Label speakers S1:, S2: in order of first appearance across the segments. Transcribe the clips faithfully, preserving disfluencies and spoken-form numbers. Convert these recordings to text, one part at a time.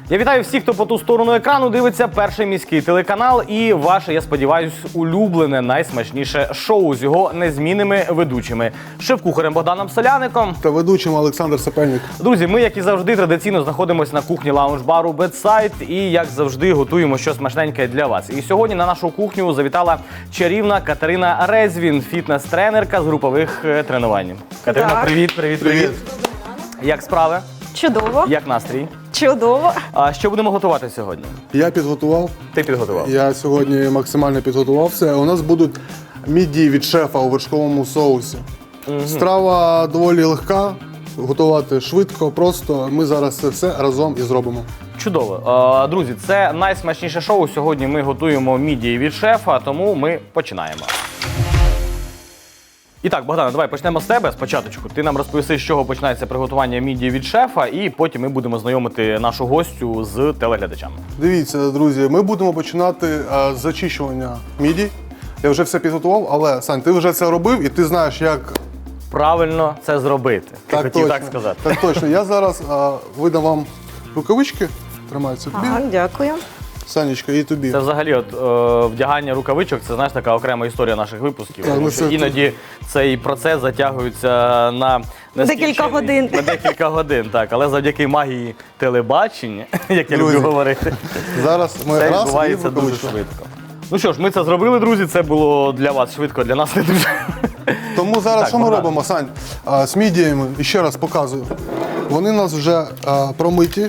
S1: Я вітаю всіх, хто по ту сторону екрану дивиться перший міський телеканал і ваше, я сподіваюсь, улюблене, найсмачніше шоу з його незмінними ведучими. Шеф-кухарем Богданом Соляником
S2: та ведучим Олександр Сапельник.
S1: Друзі, ми, як і завжди, традиційно знаходимося на кухні лаунж-бару Бедсайд і, як завжди, готуємо щось смачненьке для вас. І сьогодні на нашу кухню завітала чарівна Катерина Резвін, фітнес-тренерка з групових е, тренувань. Катерина,
S3: Так.
S1: привіт, привіт, привіт.
S2: Привіт.
S1: Як справи?
S3: Чудово.
S1: Як настрій?
S3: Чудово.
S1: А що будемо готувати сьогодні?
S2: Я підготував.
S1: Ти підготував?
S2: Я сьогодні максимально підготував все. У нас будуть мідії від шефа у вершковому соусі. Угу. Страва доволі легка, готувати швидко, просто. Ми зараз це все разом і зробимо.
S1: Чудово. Е, Друзі, це найсмачніше шоу. Сьогодні ми готуємо мідії від шефа, тому ми починаємо. І так, Богдане, давай почнемо з тебе спочатку. Ти нам розповіси, з чого починається приготування мідії від шефа, і потім ми будемо знайомити нашу гостю з телеглядачами.
S2: Дивіться, друзі, ми будемо починати а, з зачищування мідій. Я вже все підготував, але, Сань, ти вже це робив і ти знаєш, як...
S1: Правильно це зробити. Ти
S2: Так
S1: хотів
S2: точно,
S1: так сказати.
S2: так точно. Я зараз а, видам вам рукавички. Тримаються тобі.
S3: Ага, дякую.
S2: Санечка, і тобі.
S1: Це взагалі от, е, вдягання рукавичок, це, знаєш, така окрема історія наших випусків.
S2: Так,
S1: Тому
S2: ну
S1: що
S2: це-
S1: іноді цей процес затягується на
S3: Декілька
S1: нескінчений-
S3: годин.
S1: На декілька годин, так. Але завдяки магії телебачення, як я
S2: Друзі,
S1: люблю говорити,
S2: Зараз ми
S1: це
S2: раз і
S1: відбувається дуже
S2: рукавичку.
S1: швидко. Ну що ж, ми це зробили, друзі. Це було для вас швидко, для нас не дуже.
S2: Тому зараз
S1: Так,
S2: що ми
S1: Богдан.
S2: робимо, Сань? А, з мідіями, і ще раз показую. Вони у нас вже а, промиті.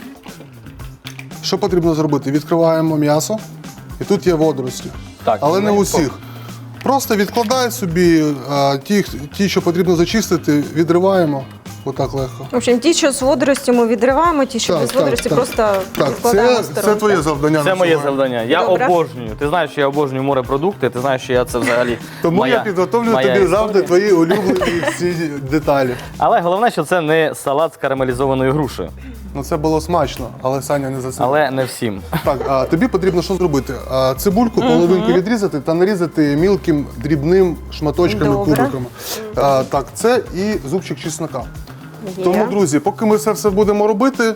S2: Що потрібно зробити? Відкриваємо м'ясо, і тут є водорості.
S1: Так,
S2: Але не
S1: ми-
S2: усіх. Просто відкладай собі а, ті, ті, що потрібно зачистити, відриваємо. Отак легко.
S3: В общем, ті, що з водорості ми відриваємо, ті, що
S2: Так,
S3: без
S2: так,
S3: водорості,
S2: так.
S3: просто
S2: Так,
S3: відкладаємо
S2: це,
S3: в
S2: це
S3: сторонку.
S2: твоє завдання.
S1: Це
S2: на
S1: моє
S2: сьогодні.
S1: завдання. Я
S3: Добре.
S1: обожнюю. Ти знаєш, що я обожнюю морепродукти, ти знаєш, що я це взагалі.
S2: Тому
S1: моя,
S2: я підготовлю
S1: моя
S2: тобі
S1: історія.
S2: завжди твої улюблені всі деталі.
S1: Але головне, що це не салат з карамелізованою грушею.
S2: Ну це було смачно, але Саня не за це.
S1: Але не всім.
S2: Так, а тобі потрібно що зробити? А, цибульку половинку відрізати та нарізати мілким дрібним шматочками,
S3: Добре.
S2: кубиками. А, так, це і зубчик чеснока.
S3: Є.
S2: Тому, друзі, поки ми це все будемо робити,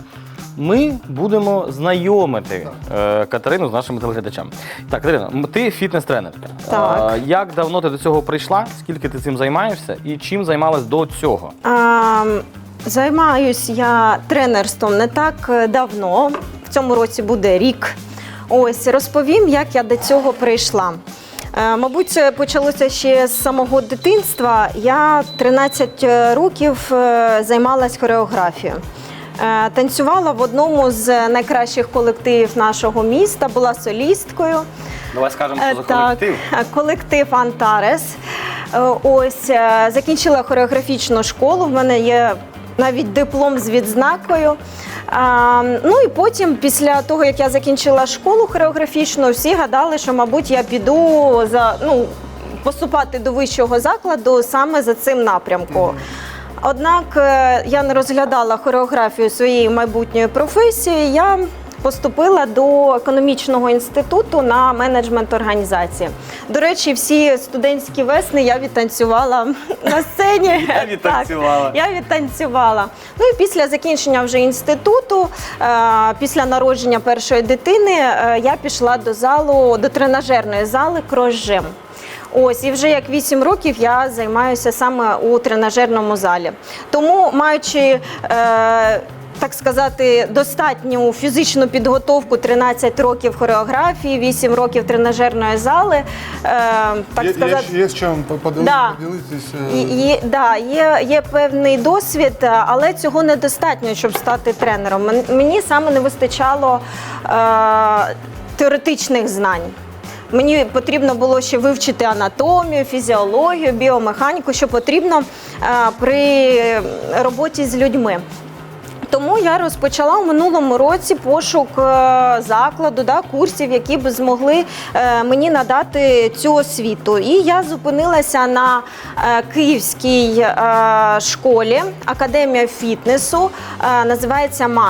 S1: Ми будемо знайомити е, Катерину з нашими телеглядачами. Так, Катерина, м- ти фітнес-тренерка.
S3: Так.
S1: Е, як давно ти до цього прийшла? Скільки ти цим займаєшся? І чим займалась до цього?
S3: А, займаюсь я тренерством не так е, давно. В цьому році буде рік. Ось, розповім, як я до цього прийшла. Е, Мабуть, це почалося ще з самого дитинства. Я тринадцять років е, займалась хореографією. Е, Танцювала в одному з найкращих колективів нашого міста, була солісткою.
S1: Давай скажемо,
S3: Е,
S1: що за
S3: так,
S1: колектив.
S3: е, колектив Антарес. Е, Ось, е, закінчила хореографічну школу, в мене є навіть диплом з відзнакою. А, ну і потім, після того, як я закінчила школу хореографічну, всі гадали, що, мабуть, я піду за, ну, поступати до вищого закладу саме за цим напрямком. Однак е, я не розглядала хореографію своєї майбутньої професії, я поступила до економічного інституту на менеджмент організації. До речі, всі студентські весни я відтанцювала на сцені.
S1: Я відтанцювала.
S3: Так, я відтанцювала. Ну і після закінчення вже інституту, е, після народження першої дитини, е, я пішла до залу, до тренажерної зали «Крос-Жим». Ось, і вже як вісім років я займаюся саме у тренажерному залі. Тому, маючи, е, так сказати, достатню фізичну підготовку, тринадцять років хореографії, вісім років тренажерної зали, е, так
S2: є,
S3: сказати,
S2: є, є з чим поділи-
S3: Да.
S2: поділитися.
S3: І- Є, да, є, є певний досвід, але цього недостатньо, щоб стати тренером. Мен- Мені саме не вистачало е, теоретичних знань. Мені потрібно було ще вивчити анатомію, фізіологію, біомеханіку, що потрібно е, при роботі з людьми. Тому я розпочала у минулому році пошук е, закладу, да, курсів, які б змогли е, мені надати цю освіту. І я зупинилася на е, київській е, школі, академія фітнесу, е, називається Мас-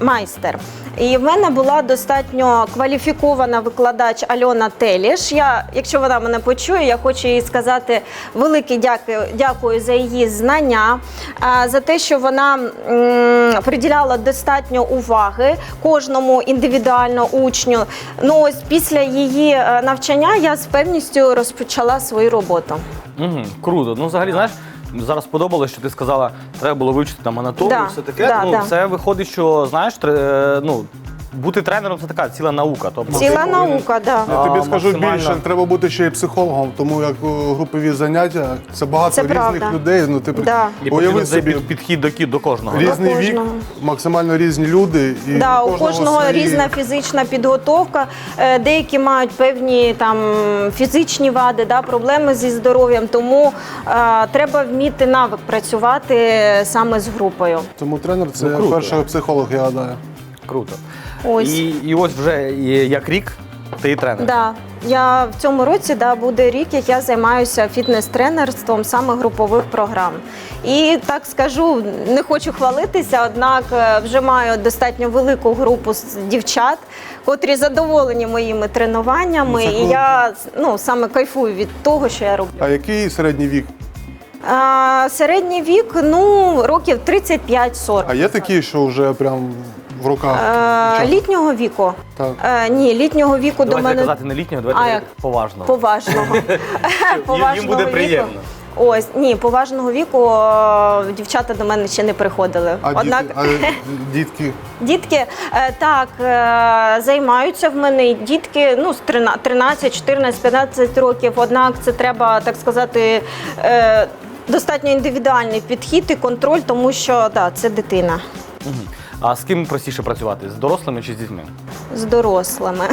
S3: майстер. І в мене була достатньо кваліфікована викладач Альона Теліш. Я, якщо вона мене почує, я хочу їй сказати велике дякую, дякую за її знання, за те, що вона м, приділяла достатньо уваги кожному індивідуально учню. Ну ось після її навчання я з певністю розпочала свою роботу.
S1: Угу, круто. Ну, взагалі, знаєш, зараз сподобалось, що ти сказала, треба було вивчити там анатомію,
S3: Да,
S1: все таке.
S3: да,
S1: ну,
S3: да.
S1: це виходить, що, знаєш, тре- ну, бути тренером – це така ціла наука. Тобто,
S3: Ціла
S1: ти повинен-
S3: наука, да.
S2: Я тобі
S1: А,
S2: скажу
S1: максимально.
S2: більше, треба бути ще й психологом, тому як о, групові заняття, це багато
S3: Це
S2: різних
S3: правда.
S2: людей. Ну, ти
S3: Да.
S1: І
S2: уяви
S1: потрібен
S2: собі,
S1: під- підхід до, кі- до кожного. да?
S2: різний вік,
S3: кожного.
S2: максимально різні люди. І
S3: Да, у кожного
S2: свої-
S3: різна фізична підготовка. Е, Деякі мають певні там фізичні вади, да, проблеми зі здоров'ям. Тому е, треба вміти навик працювати саме з групою.
S2: Тому тренер це
S1: Ну, круто.
S2: перший психолог, я гадаю.
S1: Круто.
S3: Ось.
S1: І, і ось вже і як рік ти і тренер.
S3: Да. Я в цьому році да, буде рік, як я займаюся фітнес-тренерством саме групових програм. І так скажу, не хочу хвалитися, однак е, вже маю достатньо велику групу з дівчат, котрі задоволені моїми тренуваннями.
S2: Ну, це
S3: І
S2: круто.
S3: я ну, саме кайфую від того, що я роблю.
S2: А який середній вік?
S3: А, середній вік ну, років тридцять п'ять сорок.
S2: А є такі, що вже прям в руках?
S3: Е,
S2: дівчат?
S3: літнього віку?
S2: Так.
S3: Е, ні, літнього віку
S1: Давайте
S3: до мене
S1: казати не літнього, давайте
S3: А,
S1: казати
S3: як?
S1: поважного.
S3: поважного.
S1: Їм буде
S3: віку.
S1: приємно.
S3: Ось, ні, поважного віку е, дівчата до мене ще не приходили.
S2: А,
S3: Однак
S2: діти, а дітки?
S3: дітки е, так е, займаються в мене і дітки ну, з тринадцять, чотирнадцять, п'ятнадцять років. Однак це треба, так сказати, е, достатньо індивідуальний підхід і контроль, тому що да, це дитина
S1: Мгм. А з ким простіше працювати? З дорослими чи з дітьми?
S3: з дорослими.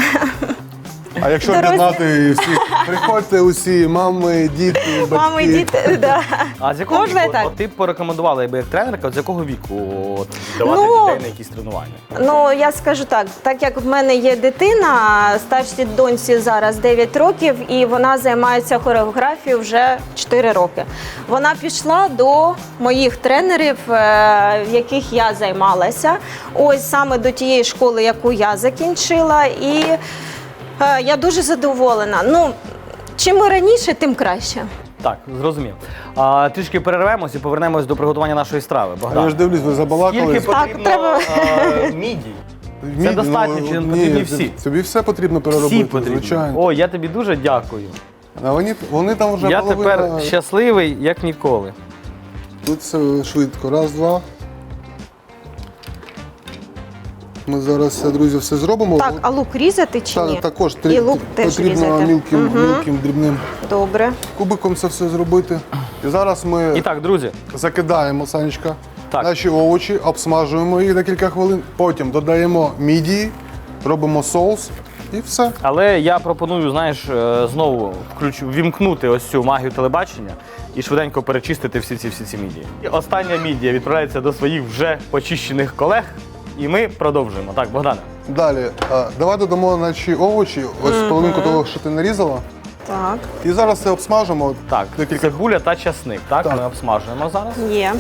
S2: А якщо
S3: Дорослі.
S2: об'єднати всі, приходьте усі, мами, діти, батьки.
S3: Мами, діти, да.
S1: А з якого
S3: Можна
S1: віку?
S3: і так?
S1: От ти б порекомендувала, якби як тренерка, от з якого віку от, давати
S3: Ну,
S1: дітей на якісь тренування?
S3: Ну, я скажу так, так як в мене є дитина, старшій доньці зараз дев'ять років, і вона займається хореографією вже чотири роки. Вона пішла до моїх тренерів, е, в яких я займалася, ось саме до тієї школи, яку я закінчила, і е, я дуже задоволена. Ну, чим ми раніше, тим краще.
S1: Так, зрозумів. А, трішки перервемось і повернемось до приготування нашої страви. Богдан,
S2: Я ж дивлюсь, ви забалакали.
S1: скільки
S3: Так,
S1: потрібно
S3: треба.
S1: а, мідій?
S2: Мідь,
S1: Це достатньо, чи
S2: ні,
S1: потрібні всі?
S2: Тобі все потрібно
S1: Всі
S2: переробити,
S1: потрібні.
S2: звичайно.
S1: О, я тобі дуже дякую.
S2: А вони, вони там вже
S1: Я
S2: половина.
S1: тепер щасливий, як ніколи.
S2: Тут все швидко. Раз, два. Ми зараз, друзі, все зробимо.
S3: Так, а лук різати чи
S2: Та-
S3: ні?
S2: також
S3: І
S2: трі-
S3: лук теж
S2: потрібно
S3: різати.
S2: мілким,
S3: Мгм.
S2: мілким дрібним
S3: Добре.
S2: кубиком це все зробити. І зараз ми
S1: І так, друзі,
S2: закидаємо, Санечка,
S1: Так.
S2: наші овочі, обсмажуємо їх декілька хвилин, потім додаємо мідії, робимо соус і все.
S1: але я пропоную, знаєш, е, знову включ... вімкнути ось цю магію телебачення і швиденько перечистити всі ці всі ці мідії. І остання мідія відправляється до своїх вже почищених колег, і ми продовжуємо. Так, Богдане.
S2: Далі, а, давай додамо наші овочі, ось половинку того, що ти нарізала.
S3: Так,
S2: І зараз це обсмажимо.
S1: Так,
S2: Декілька.
S1: цибуля та часник. Так,
S2: Так.
S1: ми обсмажуємо зараз.
S3: є.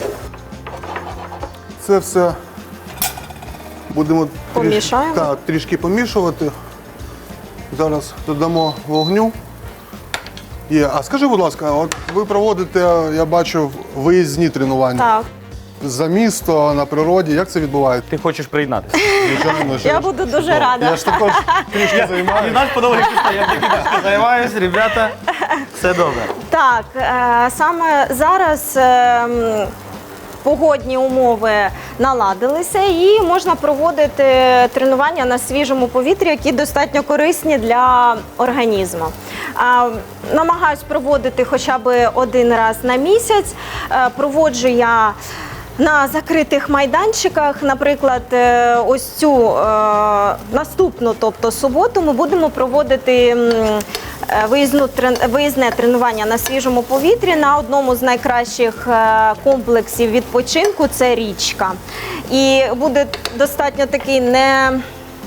S2: Це все будемо
S3: Помішаємо?
S2: Трішки, так, трішки помішувати. Зараз додамо вогню. Є. А скажи, будь ласка, от ви проводите, я бачу, виїзні тренування
S3: Так.
S2: за місто, на природі. Як це відбувається?
S1: Ти хочеш приєднатися?
S2: Звичайно, що
S3: Я
S2: ж.
S3: буду дуже
S2: Ну,
S3: рада.
S2: Я ж також трішки займаюся.
S1: Нас подобається, я тільки трішки займаюся, ребята. Все добре.
S3: Так, е, саме зараз е, м, погодні умови наладилися і можна проводити тренування на свіжому повітрі, які достатньо корисні для організму. Е, Намагаюсь проводити хоча б один раз на місяць. Е, Проводжу я на закритих майданчиках, наприклад, е, ось цю е, наступну, тобто суботу, ми будемо проводити м, е, виїзну, трен- виїзне тренування на свіжому повітрі на одному з найкращих е, комплексів відпочинку – це річка. І буде достатньо такий не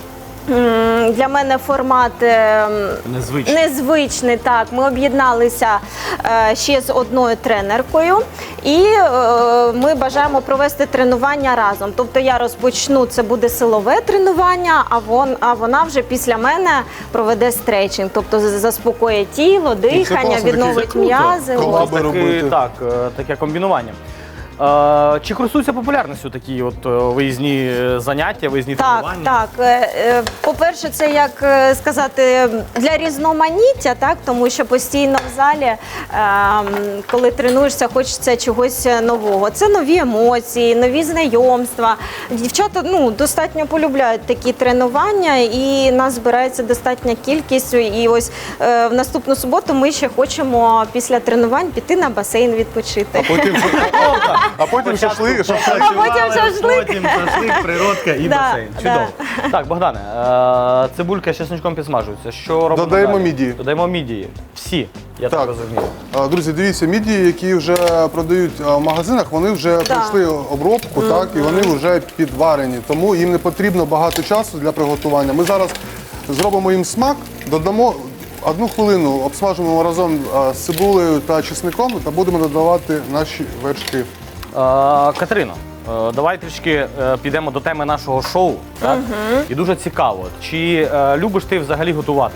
S3: м, для мене формат е,
S1: Незвично.
S3: незвичний. Так, ми об'єдналися е, ще з одною тренеркою, і е, ми бажаємо провести тренування разом. Тобто я розпочну, це буде силове тренування, а вон, а вона вже після мене проведе стретчинг, тобто з- заспокоїть тіло, дихання,
S2: класно,
S3: відновить
S2: таке
S3: м'язи.
S2: круто.
S3: Ось.
S2: Колаби
S1: Таки,
S2: робити.
S1: так, е, таке комбінування. Е, Чи користуються популярністю такі от е, виїзні е, заняття, виїзні
S3: Так,
S1: тренування?
S3: так. Е, е, По-перше, це як е, сказати для різноманіття, так тому що постійно в залі, е, м, коли тренуєшся, хочеться чогось нового. Це нові емоції, нові знайомства. Дівчата ну достатньо полюбляють такі тренування, і нас збирається достатня кількість. І ось е, в наступну суботу ми ще хочемо після тренувань піти на басейн відпочити.
S2: Потім, а потім шашлик, шашлик.
S3: А потім шашлик.
S1: Потім шашлик, природка і
S3: Да,
S1: басейн.
S3: да.
S1: Чудово. Так, Богдане, е, цибулька з чесничком підсмажується. Що робимо
S2: Додаємо
S1: далі?
S2: мідії.
S1: Додаємо мідії. Всі, я так,
S2: Так.
S1: розумію.
S2: А, Друзі, дивіться, мідії, які вже продають а, в магазинах, вони вже пройшли обробку, так, і вони вже підварені. Тому їм не потрібно багато часу для приготування. Ми зараз зробимо їм смак, додамо одну хвилину, обсмажимо разом а, з цибулею та чесником та будемо додавати наші вершки.
S1: Е, Катерино, е, давай трішки е, підемо до теми нашого шоу. Так? І дуже цікаво, чи е, любиш ти взагалі готувати?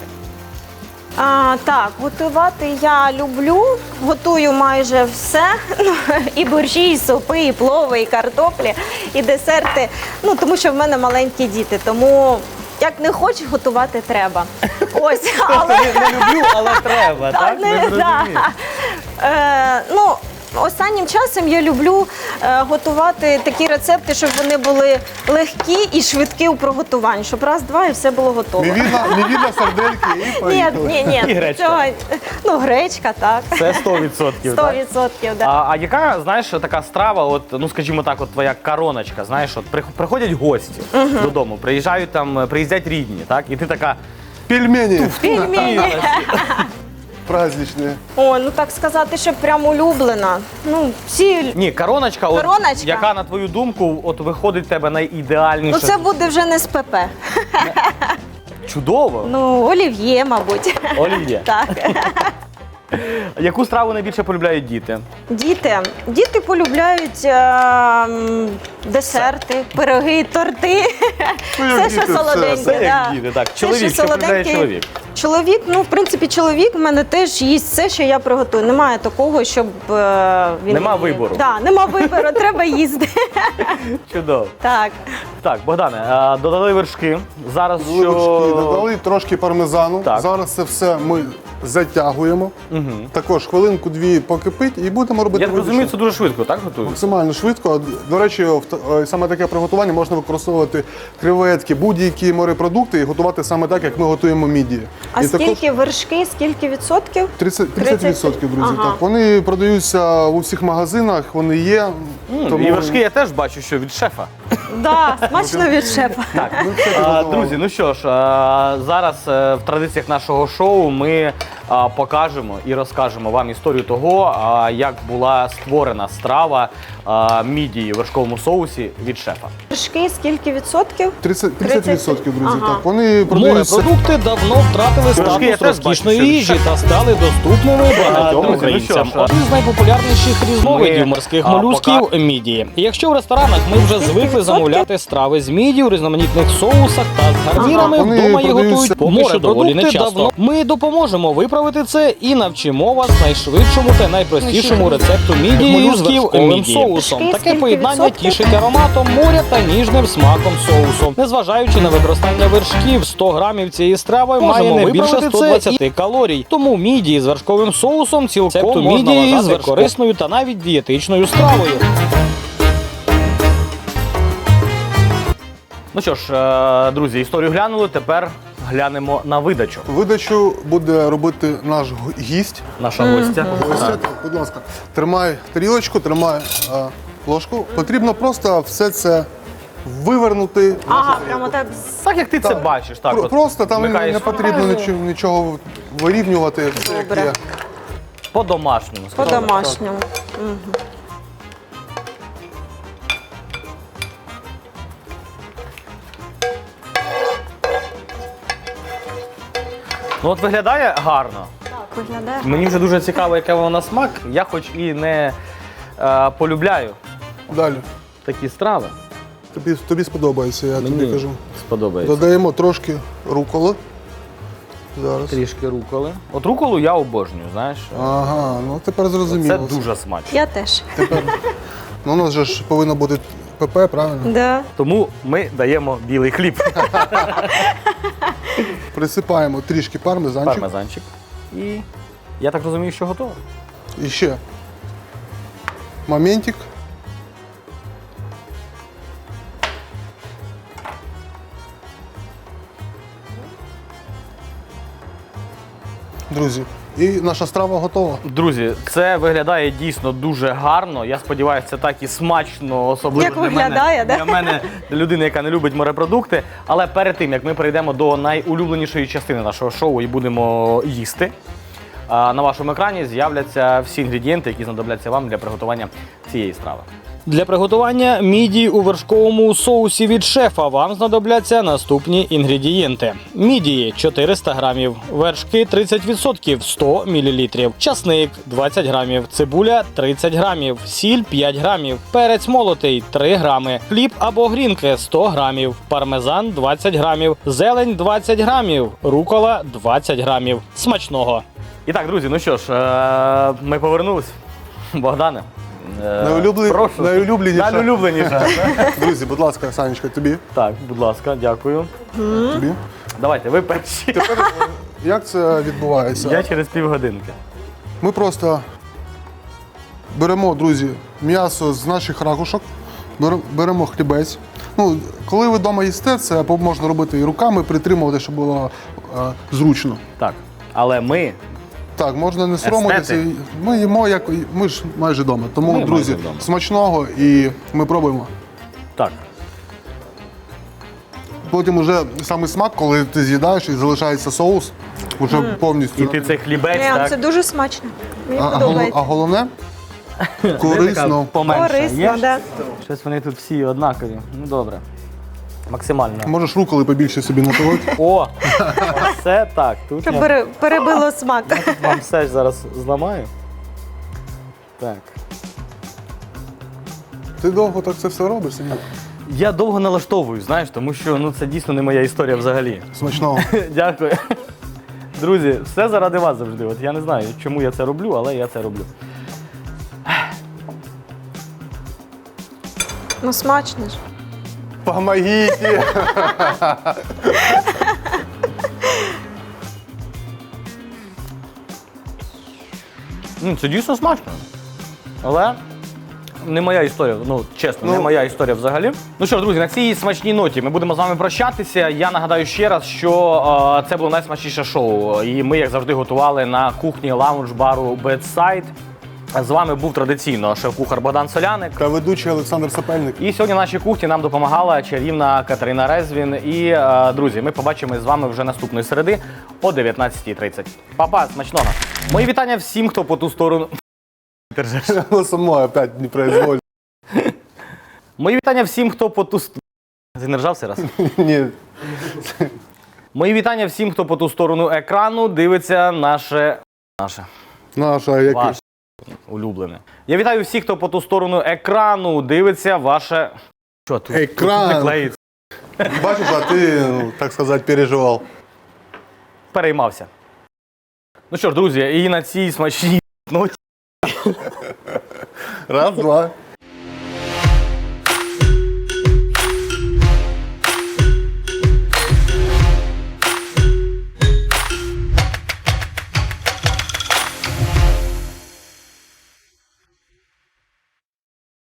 S3: А, так, готувати я люблю, готую майже все. І борщі, і супи, і плови, і картоплі, і десерти. Ну, тому що в мене маленькі діти, тому як не хочеш, готувати треба. Ось, але...
S1: Не люблю, але треба,
S3: Та,
S1: так?
S3: не-
S1: Не зрозумів.
S3: да. Е, ну, останнім часом я люблю е, готувати такі рецепти, щоб вони були легкі і швидкі у приготуванні, щоб раз-два і все було готово.
S2: Невідна, невідна сардельки і
S3: Ні,
S2: поїхали.
S3: ні, ні.
S1: І гречка.
S3: Цього, ну, гречка, так.
S1: Це сто відсотків.
S3: Сто
S1: так?
S3: відсотків, да.
S1: А, а яка, знаєш, така страва, от, ну скажімо так, от твоя короночка, знаєш, от прих- приходять гості додому, приїжджають там, приїздять рідні, так? І ти така.
S2: Пельмені
S3: Пельмені.
S2: праздничні.
S3: О, ну так сказати, що прям улюблена. Ну, всі...
S1: Ні, короночка, от,
S3: Короночка?
S1: яка, на твою думку, от виходить в тебе найідеальніше.
S3: Ну, це буде вже не з ПП.
S1: Чудово.
S3: Ну, олів'є, мабуть.
S1: Олів'є.
S3: Так.
S1: Яку страву найбільше полюбляють діти?
S3: Діти. Діти полюбляють е, м, десерти, пироги, торти.
S2: Ну, як
S3: Все, що
S2: діти, все,
S3: солоденьке.
S2: все
S1: як
S3: да.
S1: діти, так.
S3: Все,
S1: Чоловік, що полюбляє
S3: солоденьке.
S1: чоловік?
S3: Чоловік, ну, в принципі, чоловік в мене теж їсть все, що я приготую. Немає такого, щоб е, він...
S1: Нема вибору.
S3: Так, нема вибору, треба їсти.
S1: Чудово.
S3: Так.
S1: Так, Богдане, а, додали вершки. Зараз
S2: Вилочки
S1: що...
S2: додали, трошки пармезану.
S1: Так.
S2: Зараз це все ми затягуємо. Також хвилинку-дві покипить і будемо робити
S1: Я так
S2: видачу.
S1: розумію, це дуже швидко, так готують?
S2: Максимально швидко. До речі, в т- е, саме таке приготування можна використовувати креветки, будь-які морепродукти і готувати саме так, як ми готуємо мідії.
S3: А
S2: і
S3: скільки вершки, скільки відсотків?
S2: тридцять відсотків, друзі.
S3: Ага.
S2: Так. Вони продаються у всіх магазинах, вони є.
S1: І вершки я теж бачу, що від шефа.
S3: Да, смачно від шефа.
S1: Так,
S2: Ми все
S1: а,
S2: підготували.
S1: друзі, ну що ж, а, зараз е, в традиціях нашого шоу ми а, покажемо і розкажемо вам історію того, а, як була створена страва а, мідії в вершковому соусі від шефа.
S3: Вершки, скільки відсотків?
S2: тридцять відсотків, друзі.
S3: Ага.
S2: Так. Вони продаються.
S4: Морепродукти давно втратили
S1: Трошки я
S4: статус
S1: теж бачу,
S4: розкішної
S1: що
S4: їжі та стали доступними багатьом
S1: друзі, ну
S4: українцям.
S1: що ж,
S4: Один з найпопулярніших різновидів
S1: ми,
S4: морських
S1: а,
S4: молюсків
S1: пока-
S4: мідії. І якщо в ресторанах ми вже звикли замовляти страви з міді у різноманітних соусах та з гарнірами,
S2: Ага, вони
S4: вдома їх
S2: продаються-
S4: готують поки що доволі морепродукти нечасто. давно. Ми допоможемо виправити це і навчимо вас найшвидшому та найпростішому рецепту мідії з
S2: Молюсків
S4: вершковим
S2: мідії.
S4: соусом.
S3: Скільки
S4: Таке поєднання
S3: відсотків?
S4: тішить ароматом моря та ніжним смаком соусу. Незважаючи на використання вершків, сто грамів цієї страви має не більше сто двадцять калорій. Тому мідії з вершковим соусом цілком можна вважати корисною та навіть дієтичною стравою.
S1: Ну що ж, е, друзі, історію глянули, тепер глянемо на видачу.
S2: Видачу буде робити наш г- гість.
S1: Наша гостя.
S2: Ось це, будь ласка, тримай тарілочку, тримай е, ложку. Потрібно просто все це вивернути.
S3: Ага, прямо так.
S1: Так як ти це
S2: Так.
S1: бачиш, так
S2: Про-
S1: от
S2: Просто там не,
S1: вмикаєш
S2: не потрібно
S3: фантазію.
S2: нічого, нічого вирівнювати. Все як
S3: Добре.
S2: є.
S1: по-домашньому. скажімо.
S3: По-домашньому.
S1: Ну от виглядає гарно.
S3: Так, виглядає.
S1: Мені вже дуже цікаво, яке воно на смак. Я хоч і не е, полюбляю
S2: Далі.
S1: такі страви.
S2: Тобі, тобі сподобається, я тобі кажу.
S1: сподобається.
S2: Додаємо трошки руколи. Зараз.
S1: Трішки руколи. От руколу я обожнюю, знаєш.
S2: Ага, ну тепер
S1: Це
S2: зрозуміло.
S1: дуже смачно.
S3: Я теж.
S2: Ну, у нас же ж повинно бути ПП, правильно?
S3: Да.
S1: Тому ми даємо білий хліб.
S2: Присипаємо трішки пармезанчик.
S1: Пармезанчик. І я так розумію, що готово.
S2: І ще моментик. Друзі, і наша страва готова.
S1: Друзі, це виглядає дійсно дуже гарно. Я сподіваюся, це так і смачно, особливо
S3: Як
S1: для
S3: виглядає,
S1: мене,
S3: да?
S1: для мене, для людини, яка не любить морепродукти. Але перед тим, як ми перейдемо до найулюбленішої частини нашого шоу і будемо їсти, а, на вашому екрані з'являться всі інгредієнти, які знадобляться вам для приготування цієї страви.
S4: Для приготування мідії у вершковому соусі від шефа вам знадобляться наступні інгредієнти: мідії чотириста грамів, вершки тридцять відсотків сто мілілітрів, часник двадцять грамів, цибуля тридцять грамів, сіль п'ять грамів, перець молотий три грами, хліб або грінки сто грамів, пармезан двадцять грамів, зелень двадцять грамів, рукола двадцять грамів. Смачного!
S1: І так, друзі, ну що ж, е, ми повернулись. Богдане. е,
S2: Найулюблен-
S1: прошу.
S2: найулюбленіше.
S1: Найулюбленіше.
S2: Друзі, будь ласка, Санечка, тобі.
S1: Так, будь ласка, дякую.
S2: Тобі.
S1: Давайте, ви перші.
S2: Тепер як це відбувається?
S1: Я через півгодинки.
S2: Ми просто беремо, друзі, м'ясо з наших ракушок, бере- беремо хлібець. Ну, коли ви вдома їсте, це можна робити і руками, притримувати, щоб було е, зручно.
S1: Так. Але ми.
S2: Так, можна не соромитися.
S1: Естети.
S2: Ми їмо, як ми ж майже вдома. Тому,
S1: Ми
S2: друзі,
S1: майже вдома.
S2: смачного і ми пробуємо.
S1: Так.
S2: Потім уже саме смак, коли ти з'їдаєш і залишається соус, вже повністю.
S1: І ти цей хлібець,
S3: Прям,
S1: так?
S3: це дуже смачно. Мені
S2: А, а, гол-
S3: подобається.
S2: а головне корисно.
S1: Поменше.
S3: Корисно,
S1: Є?
S3: да.
S1: Щось вони тут всі однакові. Ну добре. Максимально.
S2: Можеш руколи побільше собі натолити.
S1: О! Все так. Тут
S3: Щоб
S1: я
S3: пере- перебило смак.
S1: вам все ж зараз зламаю. Так.
S2: Ти довго так це все робиш? Сергій?
S1: Я довго налаштовую, знаєш, тому що ну, це дійсно не моя історія взагалі.
S2: Смачного.
S1: Дякую. Друзі, все заради вас завжди. От я не знаю, чому я це роблю, але я це роблю.
S3: Ну смачно ж.
S2: Помогите!
S1: Ну, це дійсно смачно. Але не моя історія, ну чесно, не
S2: Ну.
S1: моя історія взагалі. Ну що ж, друзі, на цій смачній ноті ми будемо з вами прощатися. Я нагадаю ще раз, що е, це було найсмачніше шоу. І ми, як завжди, готували на кухні лаунж-бару Bedside. З вами був традиційно шеф-кухар Богдан Соляник.
S2: Та ведучий Олександр Сапельник.
S1: І сьогодні в нашій кухні нам допомагала чарівна Катерина Резвін. І, е, друзі, ми побачимось з вами вже наступної середи о дев'ятнадцятій тридцять. Па-па, смачного! Мої вітання всім, хто по ту сторону. Держиш.
S2: Оно само опять не произволь.
S1: Мої вітання всім, хто по ту сторону. Ти не ржався раз?
S2: Ні.
S1: Мої вітання всім, хто по ту сторону екрану дивиться наше. Наше.
S2: Наша який.
S1: Ваше улюблене. Я вітаю всіх, хто по ту сторону екрану дивиться ваше. Що тут?
S2: Екран.
S1: Тут не клеїться.
S2: Бачиш, а ти, ну, так сказати, переживав.
S1: Переймався. Ну що ж, друзі, і на цій смачній ноті.
S2: Раз, два.